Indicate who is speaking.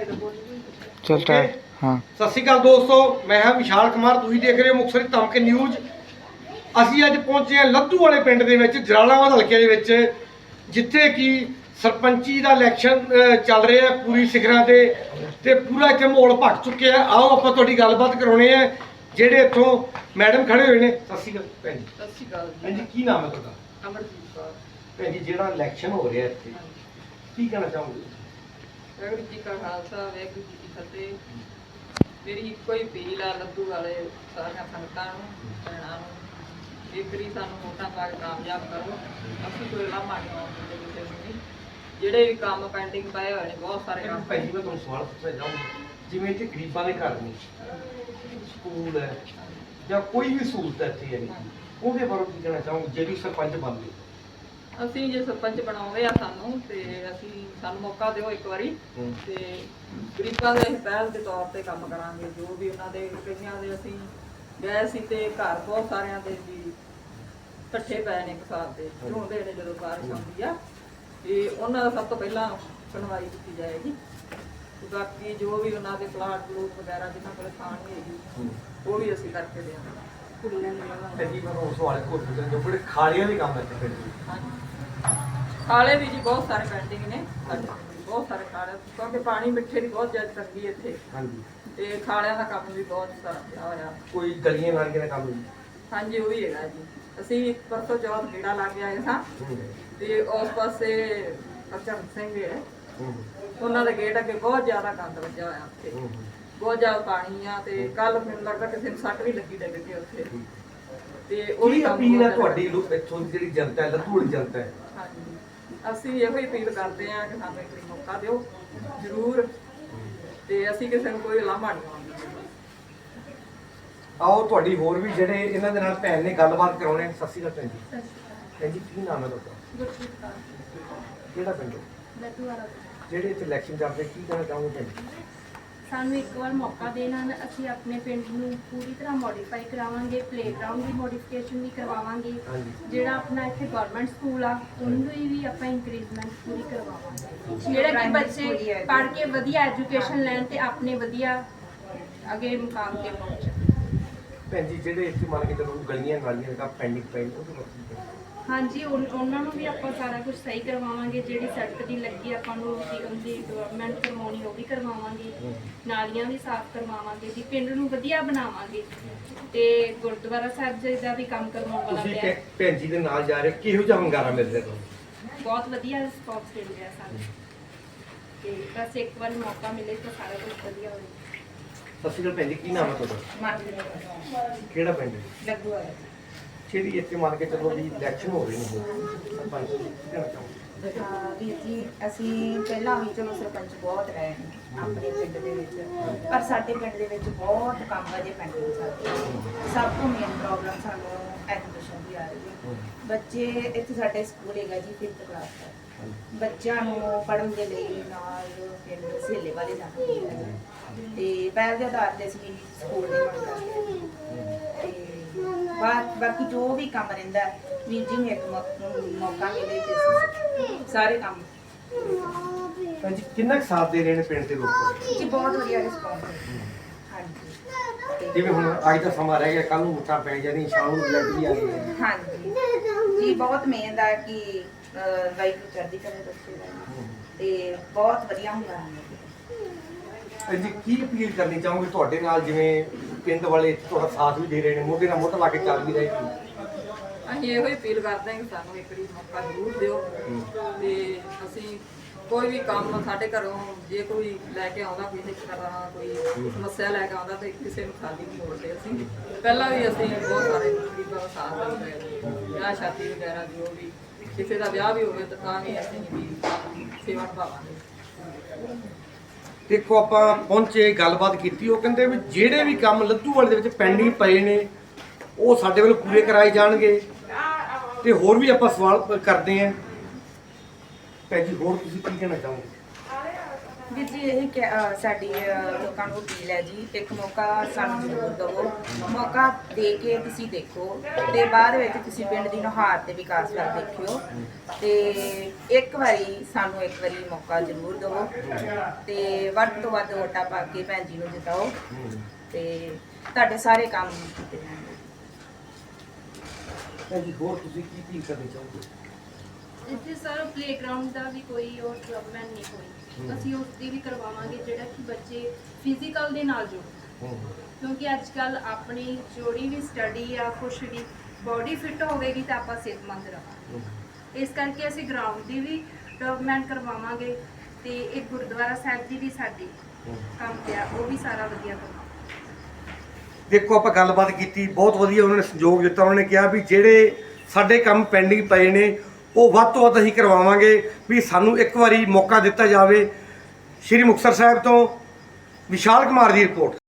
Speaker 1: चलता है। हाँ
Speaker 2: सत श्री अकाल दोस्तों, मैं हाँ विशाल कुमार, तुसीं देख रहे हो मुक्तसर ਧਮਕ ਨਿਊਜ਼। ਅਸੀਂ ਅੱਜ ਪਹੁੰਚੇ ਹਾਂ ਲੱਧੂ ਵਾਲੇ ਪਿੰਡ ਦੇ ਵਿੱਚ, ਜਲਾਲਾਬਾਦ ਹਲਕੇ ਦੇ ਵਿੱਚ, ਜਿੱਥੇ ਕਿ ਸਰਪੰਚੀ ਦਾ ਇਲੈਕਸ਼ਨ ਚੱਲ ਰਿਹਾ ਪੂਰੀ ਸਿਖਰਾਂ ਤੇ ਪੂਰਾ ਇੱਥੇ ਮਾਹੌਲ ਭਖ ਚੁੱਕਿਆ ਹੈ। ਆਓ ਆਪਾਂ ਤੁਹਾਡੀ ਗੱਲਬਾਤ ਕਰਾਉਣੇ ਆ ਜਿਹੜੇ ਇੱਥੋਂ ਮੈਡਮ ਖੜੇ ਹੋਏ ਨੇ। ਸਤਿ ਸ਼੍ਰੀ ਅਕਾਲ ਭੈਣ ਜੀ।
Speaker 3: ਸਤਿ ਸ਼੍ਰੀ ਅਕਾਲ
Speaker 2: ਭੈਣ ਜੀ ਕੀ ਨਾਮ ਹੈ ਤੁਹਾਡਾ?
Speaker 3: ਅਮਰਜੀਤ ਕੌਰ।
Speaker 2: ਭੈਣ ਜੀ ਜਿਹੜਾ ਇਲੈਕਸ਼ਨ ਹੋ ਰਿਹਾ ਇੱਥੇ ਕੀ ਕਹਿਣਾ ਚਾਹੋਗੇ?
Speaker 3: ਵਾਹਿਗੁਰੂ ਜੀ ਕਾ ਖਾਲਸਾ ਵਾਹਿਗੁਰੂ ਜੀ ਕੀ ਫਤਿਹ। ਮੇਰੀ ਇੱਕੋ ਹੀ ਅਪੀਲ ਆ ਲੱਧੂ ਵਾਲੇ ਸਾਰੀਆਂ ਸੰਗਤਾਂ ਨੂੰ, ਭੈਣਾਂ ਨੂੰ, ਇੱਕ ਵਾਰੀ ਸਾਨੂੰ ਵੋਟਾਂ ਪਾ ਕੇ ਕਾਮਯਾਬ ਕਰੋ। ਅਸੀਂ ਕੋਈ ਲਾਮਾ ਨਹੀਂ ਆਉਂਦੇ ਕਿਸੇ ਨੂੰ ਨਹੀਂ। ਜਿਹੜੇ ਵੀ ਕੰਮ ਪੈਂਡਿੰਗ ਪਏ ਹੋਏ ਨੇ, ਬਹੁਤ ਸਾਰੇ ਕੰਮ
Speaker 2: ਭੈਣ ਜੀ ਮੈਂ ਤੁਹਾਨੂੰ ਸਵਾਲ ਪੁੱਛਣਾ ਚਾਹੂੰਗਾ, ਜਿਵੇਂ ਇੱਥੇ ਗਰੀਬਾਂ ਦੇ ਘਰ ਨੇ, ਸਕੂਲ ਹੈ ਜਾਂ ਕੋਈ ਵੀ ਸਹੂਲਤ ਇੱਥੇ ਹੈ ਨਹੀਂ, ਉਹਦੇ ਬਾਰੇ ਕੀ ਕਹਿਣਾ ਚਾਹੋਗੇ ਜਿਹੜੀ ਸਰਪੰਚ ਬਣਦੇ?
Speaker 3: ਅਸੀਂ ਜੇ ਸਰਪੰਚ ਬਣਾਉਂਦੇ ਆ ਸਾਨੂੰ, ਤੇ ਸਾਨੂੰ ਮੌਕਾ ਦਿਓ ਇੱਕ ਵਾਰੀ, ਤੇ ਗਰੀਬਾਂ ਦੇ ਪਹਿਲ ਦੇ ਤੌਰ ਤੇ ਕੰਮ ਕਰਾਂਗੇ। ਜੋ ਵੀ ਉਹਨਾਂ ਦੇ ਕਈਆਂ ਦੇ ਅਸੀਂ ਗਏ ਸੀ ਤੇ ਘਰ ਬਹੁਤ ਸਾਰਿਆਂ ਦੇ ਵੀ ਇਕੱਠੇ ਪਏ ਨੇ, ਇੱਕ ਸਾਲ ਦੇ ਝੋਂਦੇ ਨੇ ਜਦੋਂ ਬਾਰਿਸ਼ ਆਉਂਦੀ ਆ, ਤੇ ਉਹਨਾਂ ਦਾ ਸਭ ਤੋਂ ਪਹਿਲਾਂ ਸੁਣਵਾਈ ਕੀਤੀ ਜਾਏਗੀ। ਤੇ ਬਾਕੀ ਜੋ ਵੀ ਉਹਨਾਂ ਦੇ ਪਲਾਟ ਪਲੂਟ ਵਗੈਰਾ ਜਿਨ੍ਹਾਂ ਕੋਲ ਥਾਂ ਨਹੀਂ ਹੈਗੀ, ਉਹ ਵੀ ਅਸੀਂ ਕਰਕੇ ਦੇਵਾਂਗੇ। ਕੁੜੀਆਂ
Speaker 2: ਤੇ ਜੀ ਮੈਂ ਉਸ ਵਾਲੇ ਕੋਲ ਪੁੱਛਣ ਜੋ ਬੜੇ ਖਾਲੀਆਂ ਦੇ ਕੰਮ ਇੱਥੇ ਪਿੰਡ ਦੇ।
Speaker 3: ਖਾਲੇ ਵੀ ਜੀ ਬਹੁਤ ਸਾਰੇ ਪੈਂਡਿੰਗ ਨੇ ਸਾਡੇ ਪਿੰਡ ਵੀ, ਬਹੁਤ ਸਾਰੇ ਖਾਲੇ, ਕਿਉਂਕਿ ਪਾਣੀ ਮਿੱਠੇ ਦੀ ਬਹੁਤ ਜ਼ਿਆਦਾ ਤੰਗੀ ਇੱਥੇ,
Speaker 2: ਹਾਂਜੀ,
Speaker 3: ਤੇ ਖਾਲਿਆਂ ਦਾ ਕੰਮ ਵੀ ਬਹੁਤ ਸਾਰਾ ਪਿਆ ਹੋਇਆ।
Speaker 2: ਕੋਈ ਗਲੀਆਂ ਨਾਲੀਆਂ ਦਾ ਕੰਮ ਨਹੀਂ?
Speaker 3: ਹਾਂਜੀ ਉਹ ਵੀ ਹੈਗਾ ਜੀ। ਅਸੀਂ ਪਰਸੋਂ ਚੌਥ ਗੇੜਾ ਲਾ ਕੇ ਆਏ ਸਾਂ, ਤੇ ਉਸ ਪਾਸੇ ਅਚਨ ਸਿੰਘ ਹੈ, ਉਹਨਾਂ ਦੇ ਗੇਟ ਅੱਗੇ ਬਹੁਤ ਜ਼ਿਆਦਾ ਗੰਦ ਵੱਜਿਆ ਹੋਇਆ ਉੱਥੇ, ਬਹੁਤ ਜ਼ਿਆਦਾ ਪਾਣੀ ਆ। ਤੇ ਕੱਲ ਮੈਨੂੰ ਲੱਗਦਾ ਕਿਸੇ ਨੂੰ ਸੱਟ ਵੀ ਲੱਗੀ ਡਿੱਗ ਕੇ ਉੱਥੇ, ਤੇ ਉਹ ਵੀ
Speaker 2: ਅਪੀਲ ਹੈ ਤੁਹਾਡੀ ਇੱਥੋਂ ਦੀ ਜਿਹੜੀ ਜਨਤਾ ਹੈ, ਲੱਧੂ ਵਾਲੀ ਜਨਤਾ ਹੈ?
Speaker 3: ਹਾਂਜੀ ਅਸੀਂ ਇਹੋ ਹੀ ਅਪੀਲ ਕਰਦੇ ਹਾਂ ਕਿ ਸਾਨੂੰ ਇੱਕ ਵਾਰੀ ਮੌਕਾ ਦਿਓ ਜ਼ਰੂਰ, ਤੇ ਅਸੀਂ ਕਿਸੇ ਨੂੰ ਕੋਈ ਲਾਮਾ ਨਹੀਂ ਆਉਂਦੀ।
Speaker 2: ਆਓ ਤੁਹਾਡੀ ਹੋਰ ਵੀ ਜਿਹੜੇ ਇਹਨਾਂ ਦੇ ਨਾਲ ਭੈਣ ਨੇ ਗੱਲਬਾਤ ਕਰਾਉਣੇ। ਸਤਿ ਸ਼੍ਰੀ ਅਕਾਲ ਭੈਣ ਜੀ। ਭੈਣ ਜੀ ਕੀ ਨਾਮ ਹੈ ਤੁਹਾਡਾ?
Speaker 4: ਗੁਰਪ੍ਰੀਤ ਕੌਰ,
Speaker 2: ਕਿਹੜਾ ਪਿੰਡ?
Speaker 4: ਲੱਡੂ ਵਾਲਾ।
Speaker 2: ਜਿਹੜੇ ਇੱਥੇ ਇਲੈਕਸ਼ਨ ਚੱਲਦੇ ਕੀ ਕਹਿਣਾ ਚਾਹੋਗੇ ਭੈਣ ਜੀ?
Speaker 4: ਸਾਨੂੰ ਇੱਕ ਵਾਰ ਮੌਕਾ ਦੇਣਾ, ਅਸੀਂ ਆਪਣੇ ਪਿੰਡ ਨੂੰ ਪੂਰੀ ਤਰ੍ਹਾਂ ਮੋਡੀਫਾਈ ਕਰਾਵਾਂਗੇ, ਪਲੇਗਰਾਉਂਡ ਦੀ ਮੋਡੀਫਿਕੇਸ਼ਨ ਵੀ ਕਰਵਾਵਾਂਗੇ। ਜਿਹੜਾ ਆਪਣਾ ਇੱਥੇ ਗਵਰਨਮੈਂਟ ਸਕੂਲ ਆ ਉਹਨੂੰ ਵੀ ਆਪਾਂ ਇੰਕਰੀਜ਼ਮੈਂਟ ਪੂਰੀ ਕਰਵਾਵਾਂਗੇ, ਜਿਹੜਾ ਕਿ ਬੱਚੇ ਪੜ੍ਹ ਕੇ ਵਧੀਆ ਐਜੂਕੇਸ਼ਨ ਲੈਣ ਤੇ ਆਪਣੇ ਵਧੀਆ ਅੱਗੇ ਮੁਕਾਮ ਤੇ ਪਹੁੰਚਣ।
Speaker 2: ਭੈਣ ਜੀ ਜਿਹੜੇ ਇੱਥੇ ਮੰਨ ਕੇ ਚਲੋ ਗਲੀਆਂ ਨਾਲੀਆਂ ਦਾ ਪੈਂਡਿੰਗ ਪਈ ਉਹਦੇ ਬਾਰੇ
Speaker 4: ਹਾਂਜੀ ਉਹਨਾਂ ਨੂੰ ਵੀ ਆਪਾਂ ਸਾਰਾ ਕੁਝ ਸਹੀ ਕਰਵਾਵਾਂਗੇ। ਜਿਹੜੀ ਸੜਕ ਦੀ ਲੱਗੀ ਆਪਾਂ ਨੂੰ ਉਹਦੀ ਡਿਵੈਲਪਮੈਂਟ ਕਰਵਾਉਣੀ ਉਹ ਵੀ ਕਰਵਾਵਾਂਗੇ, ਨਾਲੀਆਂ ਵੀ ਸਾਫ਼ ਕਰਵਾਵਾਂਗੇ ਜੀ, ਪਿੰਡ ਨੂੰ ਵਧੀਆ ਬਣਾਵਾਂਗੇ, ਤੇ ਗੁਰਦੁਆਰਾ ਸਾਹਿਬ ਜੀ ਦਾ ਵੀ ਕੰਮ ਕਰਵਾਉਣ ਵਾਲਾ
Speaker 2: ਤੁਸੀਂ
Speaker 4: ਪਿਆ।
Speaker 2: ਭੈਣ ਜੀ ਦੇ ਨਾਲ ਜਾ ਰਹੇ ਕਿਹੋ ਜਿਹਾ ਹੰਗਾਰਾ ਮਿਲ ਰਿਹਾ ਤੁਹਾਨੂੰ?
Speaker 4: ਬਹੁਤ ਵਧੀਆ ਰਿਸਪੌਂਸ ਮਿਲ ਰਿਹਾ ਸਾਨੂੰ, ਤੇ ਬਸ ਇੱਕ ਵਾਰ ਮੌਕਾ ਮਿਲੇ ਤਾਂ ਸਾਰਾ ਕੁਝ ਵਧੀਆ ਹੋਵੇ।
Speaker 2: ਸਤਿ ਸ਼੍ਰੀ ਅਕਾਲ ਭੈਣ ਜੀ, ਕੀ ਨਾਮ ਹੈ ਤੁਹਾਡਾ? ਕਿਹੜਾ ਪਿੰਡ ਹੈ?
Speaker 4: ਲੱਡੂ ਵਾਲਾ।
Speaker 2: ਜਿਹੜੀ ਇੱਥੇ ਮੰਨ ਕੇ ਚੱਲੋ ਵੀ ਇਲੈਕਸ਼ਨ ਹੋ ਰਹੇ ਨੇ ਸਰਪੰਚ ਕੀ ਕਹਿਣਾ ਚਾਹੋਗੇ?
Speaker 5: ਵੀਰ ਜੀ ਅਸੀਂ ਪਹਿਲਾਂ ਵੀ ਚਲੋ ਸਰਪੰਚ ਬਹੁਤ ਰਹੇ ਨੇ ਆਪਣੇ ਪਿੰਡ ਦੇ ਵਿੱਚ, ਪਰ ਸਾਡੇ ਪਿੰਡ ਦੇ ਵਿੱਚ ਬਹੁਤ ਕੰਮ ਅਜੇ ਪੈਂਡਿੰਗ ਚੱਲਦੇ। ਸਭ ਤੋਂ ਮੇਨ ਪ੍ਰੋਬਲਮ ਸਾਨੂੰ ਐਜੂਕੇਸ਼ਨ ਦੀ ਆ ਰਹੀ ਹੈ। ਬੱਚੇ ਇੱਥੇ ਸਾਡੇ ਸਕੂਲ ਹੈਗਾ ਜੀ 5th ਕਲਾਸ ਤੱਕ, ਬੱਚਿਆਂ ਨੂੰ ਪੜ੍ਹਨ ਦੇ ਲਈ ਨਾਲ ਪਿੰਡ ਸਹੇਲੇ ਵਾਲੇ ਜਾਂਦੇ ਹੈ, ਤੇ ਪਹਿਲ ਦੇ ਆਧਾਰ ਤੇ ਅਸੀਂ ਸਕੂਲ ਦੀ ਮੰਗ ਕਰਦੇ ਹਾਂ। ਤੇ ਬਾਕੀ ਜੋ ਵੀ ਕੰਮ ਰਹਿੰਦਾ ਵੀਰ ਜੀ ਨੂੰ ਇੱਕ ਮੌਕਾ ਮਿਲੇ ਤੇ ਅਸੀਂ ਸਾਰੇ ਕੰਮ।
Speaker 2: ਭੈਣ ਜੀ ਕਿੰਨਾ ਕੁ ਸਾਥ ਦੇ ਰਹੇ ਨੇ ਪਿੰਡ ਦੇ ਲੋਕ?
Speaker 5: ਜੀ ਬਹੁਤ ਵਧੀਆ ਰਿਸਪੌਂਸ ਹੈ। ਹਾਂਜੀ
Speaker 2: ਜਿਵੇਂ ਹੁਣ ਅੱਜ ਦਾ ਸਮਾਂ ਰਹਿ ਗਿਆ, ਕੱਲ ਨੂੰ ਮੁੱਠਾ ਪੈ ਜਾਣੀ, ਸ਼ਾਮ ਨੂੰ ਲੱਗ ਵੀ ਆ ਗਈ।
Speaker 5: ਹਾਂਜੀ ਜੀ ਬਹੁਤ ਮਿਹਨਤ ਆ ਕਿ ਵਾਹਿਗੁਰੂ ਚੜ੍ਹਦੀ ਕਰੇ ਬੱਚੇ ਦਾ, ਤੇ ਬਹੁਤ ਵਧੀਆ ਹੁੰਦਾ ਹੈ।
Speaker 2: ਭੈਣ ਜੀ ਕੀ ਅਪੀਲ ਕਰਨੀ ਚਾਹੋਗੇ ਤੁਹਾਡੇ ਨਾਲ, ਜਿਵੇਂ ਪਿੰਡ ਵਾਲੇ ਤੁਹਾਡਾ ਸਾਥ ਵੀ ਦੇ ਰਹੇ ਨੇ, ਮੋਢੇ ਨਾਲ ਮੋਢਾ ਲਾ ਕੇ ਚੱਲ ਵੀ ਰਹੇ ਨੇ?
Speaker 3: ਅਸੀਂ ਇਹੋ ਹੀ ਅਪੀਲ ਕਰਦੇ ਹਾਂ ਕਿ ਸਾਨੂੰ ਇੱਕ ਵਾਰੀ ਮੌਕਾ ਜ਼ਰੂਰ ਦਿਓ, ਤੇ ਅਸੀਂ ਕੋਈ ਵੀ ਕੰਮ ਸਾਡੇ ਘਰੋਂ ਜੇ ਕੋਈ ਲੈ ਕੇ ਆਉਂਦਾ, ਕਿਸੇ ਤਰ੍ਹਾਂ ਕੋਈ ਸਮੱਸਿਆ ਲੈ ਕੇ ਆਉਂਦਾ, ਤੇ ਕਿਸੇ ਨੂੰ ਖਾਲੀ ਨਹੀਂ ਮੋੜਦੇ। ਅਸੀਂ ਪਹਿਲਾਂ ਵੀ ਅਸੀਂ ਬਹੁਤ ਸਾਰੇ ਗਰੀਬਾਂ ਦਾ ਸਾਥ ਦਿੱਤਾ, ਵਿਆਹ ਸ਼ਾਦੀ ਵਗੈਰਾ ਜੋ ਵੀ ਕਿਸੇ ਦਾ ਵਿਆਹ ਵੀ ਹੋਵੇ ਤਾਂ ਵੀ ਅਸੀਂ ਵੀ ਸੇਵਾ ਨਿਭਾਵਾਂਗੇ।
Speaker 2: ਦੇਖੋ ਆਪਾਂ ਪਹੁੰਚੇ, ਗੱਲਬਾਤ ਕੀਤੀ, ਉਹ ਕਹਿੰਦੇ ਵੀ ਜਿਹੜੇ ਵੀ ਕੰਮ ਲੱਧੂ ਵਾਲੇ ਦੇ ਵਿੱਚ ਪੈਂਡਿੰਗ ਪਏ ਨੇ ਉਹ ਸਾਡੇ ਵੱਲੋਂ ਪੂਰੇ ਕਰਾਏ ਜਾਣਗੇ। ਤੇ ਹੋਰ ਵੀ ਆਪਾਂ ਸਵਾਲ ਕਰਦੇ ਆਂ। ਭੈਣ ਜੀ ਹੋਰ ਤੁਸੀਂ ਕੀ ਕਹਿਣਾ ਚਾਹੋਗੇ?
Speaker 5: ਵੀਰ ਜੀ ਸਾਡੀ ਲੋਕਾਂ ਨੂੰ ਅਪੀਲ ਹੈ ਜੀ, ਇੱਕ ਮੌਕਾ ਸਾਨੂੰ ਜ਼ਰੂਰ ਦਿਓ। ਮੌਕਾ ਦੇ ਕੇ ਤੁਸੀਂ ਦੇਖੋ ਤੇ ਬਾਅਦ ਵਿੱਚ ਤੁਸੀਂ ਪਿੰਡ ਦੀ ਨੁਹਾਰ ਤੇ ਵਿਕਾਸ ਵੱਲ ਦੇਖਿਓ ਤੇ ਇੱਕ ਵਾਰੀ ਮੌਕਾ ਜ਼ਰੂਰ ਦਿਓ ਤੇ ਵੱਧ ਤੋਂ ਵੱਧ ਵੋਟਾਂ ਪਾ ਕੇ ਭੈਣ ਜੀ ਨੂੰ ਜਿਤਾਓ ਤੇ ਤੁਹਾਡੇ ਸਾਰੇ ਕੰਮ ਕੀਤੇ ਜਾਣਗੇ।
Speaker 2: ਜੀ ਹੋਰ ਤੁਸੀਂ ਕੀ ਅਪੀਲ ਕਰਨੀ ਚਾਹੋਗੇ?
Speaker 4: ਇੱਥੇ ਸਰ ਪਲੇਗਰਾਉਂਡ ਦਾ ਵੀ ਕੋਈ ਉਹ ਡਿਵੈਲਪਮੈਂਟ ਨਹੀਂ ਹੋਈ, ਅਸੀਂ ਉਸ ਦੀ ਵੀ ਕਰਵਾਵਾਂਗੇ ਜਿਹੜਾ ਕਿ ਬੱਚੇ ਫਿਜ਼ੀਕਲ ਦੇ ਨਾਲ ਜੁੜਨ, ਕਿਉਂਕਿ ਅੱਜ ਕੱਲ ਆਪਣੀ ਜਿਹੜੀ ਵੀ ਸਟੱਡੀ ਆ ਕੁਛ ਵੀ ਬੋਡੀ ਫਿੱਟ ਹੋਵੇਗੀ ਤਾਂ ਆਪਾਂ ਸਿਹਤਮੰਦ ਰਹਾਂਗੇ। ਇਸ ਕਰਕੇ ਅਸੀਂ ਗਰਾਊਂਡ ਦੀ ਵੀ ਡਿਵੈਲਪਮੈਂਟ ਕਰਵਾਵਾਂਗੇ ਤੇ ਇੱਕ ਗੁਰਦੁਆਰਾ ਸਾਹਿਬ ਦੀ ਵੀ ਸਾਡੀ ਕੰਮ ਪਿਆ ਉਹ ਵੀ ਸਾਰਾ ਵਧੀਆ ਕਰਵਾਵਾਂਗੇ।
Speaker 2: ਦੇਖੋ ਆਪਾਂ ਗੱਲਬਾਤ ਕੀਤੀ, ਬਹੁਤ ਵਧੀਆ ਉਹਨਾਂ ਨੇ ਸਹਿਯੋਗ ਦਿੱਤਾ। ਉਹਨਾਂ ਨੇ ਕਿਹਾ ਵੀ ਜਿਹੜੇ ਸਾਡੇ ਕੰਮ ਪੈਂਡਿੰਗ ਪਏ ਨੇ ਉਹ ਵੱਧ ਤੋਂ ਵੱਧ ਅਸੀਂ ਕਰਵਾਵਾਂਗੇ, ਵੀ ਸਾਨੂੰ ਇੱਕ ਵਾਰੀ ਮੌਕਾ ਦਿੱਤਾ ਜਾਵੇ। ਸ਼੍ਰੀ ਮੁਕਤਸਰ ਸਾਹਿਬ ਤੋਂ ਵਿਸ਼ਾਲ ਕੁਮਾਰ ਦੀ ਰਿਪੋਰਟ।